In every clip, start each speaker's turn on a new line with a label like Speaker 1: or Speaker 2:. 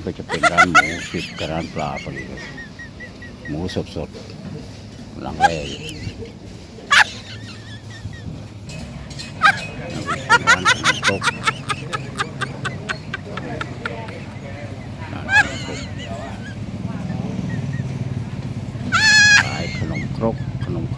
Speaker 1: ก็จะเป็นร้านหมูติดกับร้านปลาพอดีเลยหมูสดๆหลังแรกร้านขนมครกขายขนมครก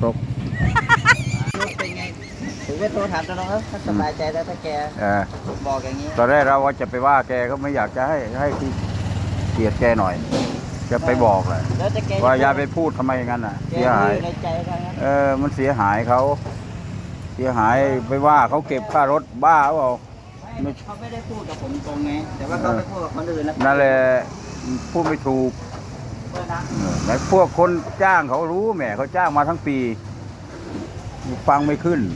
Speaker 2: เป็นไงถือว่าโทรถามน้องครับถ้าสบายใจแล้วถ้าแกบอกอย่างนี้
Speaker 1: ตอนแรกเราว่าจะไปว่าแกก็ไม่อยากจะให้ที่เกียรติแกหน่อยจะไปบอกแหละว่าอย่าไปพูดทำไมอย่างนั้นอ่ะเสียหายมันเสียหายเขาเสียหายไปว่าเขาเก็บค่ารถบ้าเปล่า
Speaker 2: เขาไม่ได้พูดกับผมตรงไงแต่ว่าเขาไปพูดกับคนอื่นแล้ว
Speaker 1: นั่นแหละพูดไม่ถูกแต่พวกคนจ้างเขารู้แหมเขาจ้างมาทั้งปีฟังไม่ขึ้น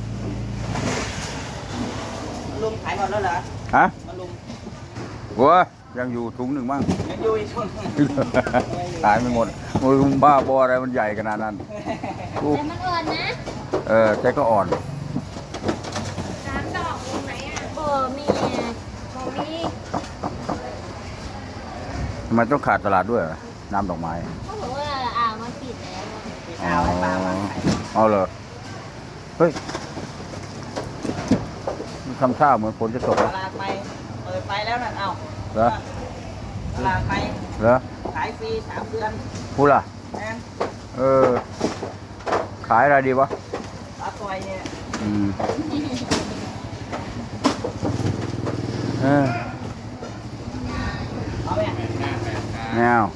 Speaker 2: ลุงขายหมดแล้วเหรอ
Speaker 1: ฮะ
Speaker 2: ลุง
Speaker 1: วัวยังอยู่ถุงหนึ่งบ้าง
Speaker 2: ยังอยู่อีกถุง
Speaker 1: ขายไม่หมดมือบ้าบออะไรมันใหญ่ขนาดนั้น
Speaker 3: แต่มันอ่อนนะ
Speaker 1: แต่ก็อ่อน
Speaker 3: 3 ดอกตรงไหนอ่ะมี
Speaker 1: ทำไมต้องขาดตลาดด้วยน้ำดอกไม้
Speaker 3: เขาบอกว่ามันปิดแล้ว
Speaker 1: เอาเลยเฮ้ยทำท่าเหมือนฝนจะตก
Speaker 2: ตลาดไปเปิดไปแล้วนั่นเอา
Speaker 1: เหรอ
Speaker 2: ตลาดไป
Speaker 1: เหรอ
Speaker 2: ขายฟรี3 เดือน
Speaker 1: พูดล่ะขายอะไรดีวะ
Speaker 2: ปลาตัวเนี่ยเอาไหม
Speaker 1: แนว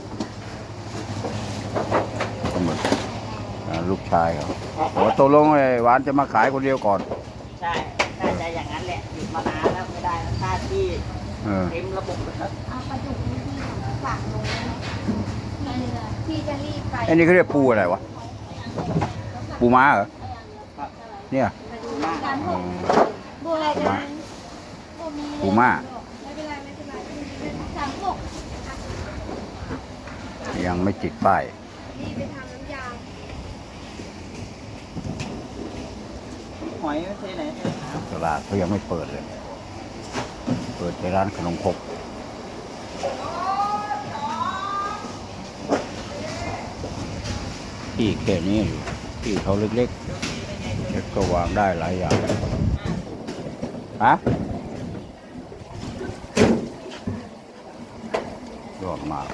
Speaker 1: ลูกชายเขาตกลงไอ้หวานจะมาขายคนเดียวก่อน
Speaker 2: ใช่น่าจะอย่างนั้นแหละหยุดมานานแล้วไม่ได้ค่าที่เต็มระบบแล้ว
Speaker 3: ปลาดุกที่ฝากลงที่จะรีบไป
Speaker 1: ไอ้นี่เขาเรียกปูอะไรวะปูม้าเหรอเนี่ย
Speaker 3: ปูอะไรกัน
Speaker 1: ปูม้า
Speaker 3: ไม่เป็นไร
Speaker 1: ยังไม่จิกป้าย
Speaker 3: รีบไปทำน้ำยา
Speaker 2: หอยไม่ใช่ไหน
Speaker 1: ตลาดเขายังไม่เปิดเลยเปิดในร้านขนมครกที่แค่นี้อยู่ที่เขาเล็กๆก็วางได้หลายอย่างฮะยอดมาก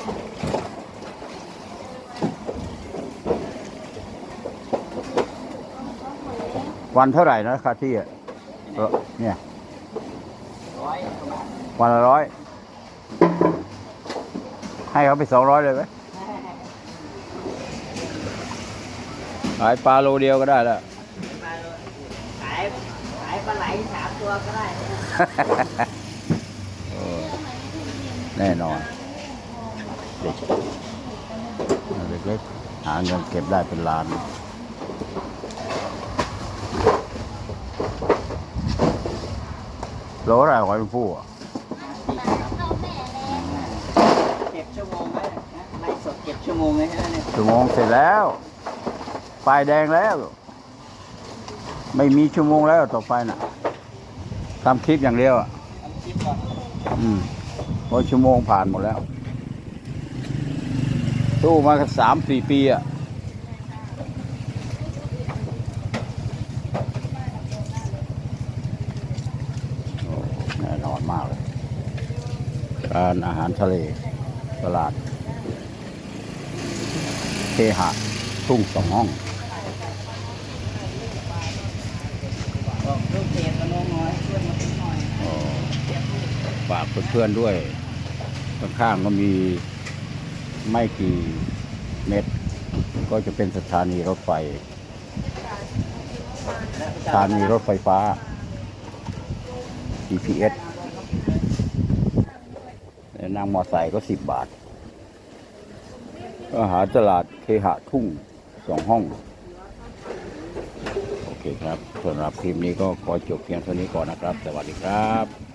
Speaker 1: วันเท่าไหร่นะค่าที่เนี่ยวันละ100ให้เขาไป200เลยไหมขายปลาโลเดียวก็ได้แล้ว
Speaker 2: ขายปลาไหล3 ตัวก็ได้
Speaker 1: แน่นอนเล็กหาเงินเก็บได้เป็นล้านโลอะไรหอยผู้
Speaker 2: เก็บชั่วโมงไหมไลฟ์สดเก็บชั่วโมงเลยใช่ไหม
Speaker 1: ชั่วโมงเสร็จแล้วป้ายแดงแล้วไม่มีชั่วโมงแล้วต่อไปน่ะทำคลิปอย่างเดียว
Speaker 2: ทำคลิปก่อน
Speaker 1: เพราะชั่วโมงผ่านหมดแล้วตู้มากัน3-4 ปีอ่ะแน่นอนมากเลยการอาหารทะเลตลาดเคหะทุ่ง2 ห้อง
Speaker 2: ลูกเพจมาน้อยเพื่อนมาหน่อย
Speaker 1: ฝากเพื่อนๆด้วยข้างๆก็มีไม่กี่เมตรก็จะเป็นสถานีรถไฟสถานีรถไฟฟ้า GPS นั่งมอไซค์ก็10 บาทอาหารตลาดเคหะทุ่ง2 ห้องโอเคครับสำหรับคลิปนี้ก็ขอจบเพียงเท่านี้ก่อนนะครับสวัสดีครับ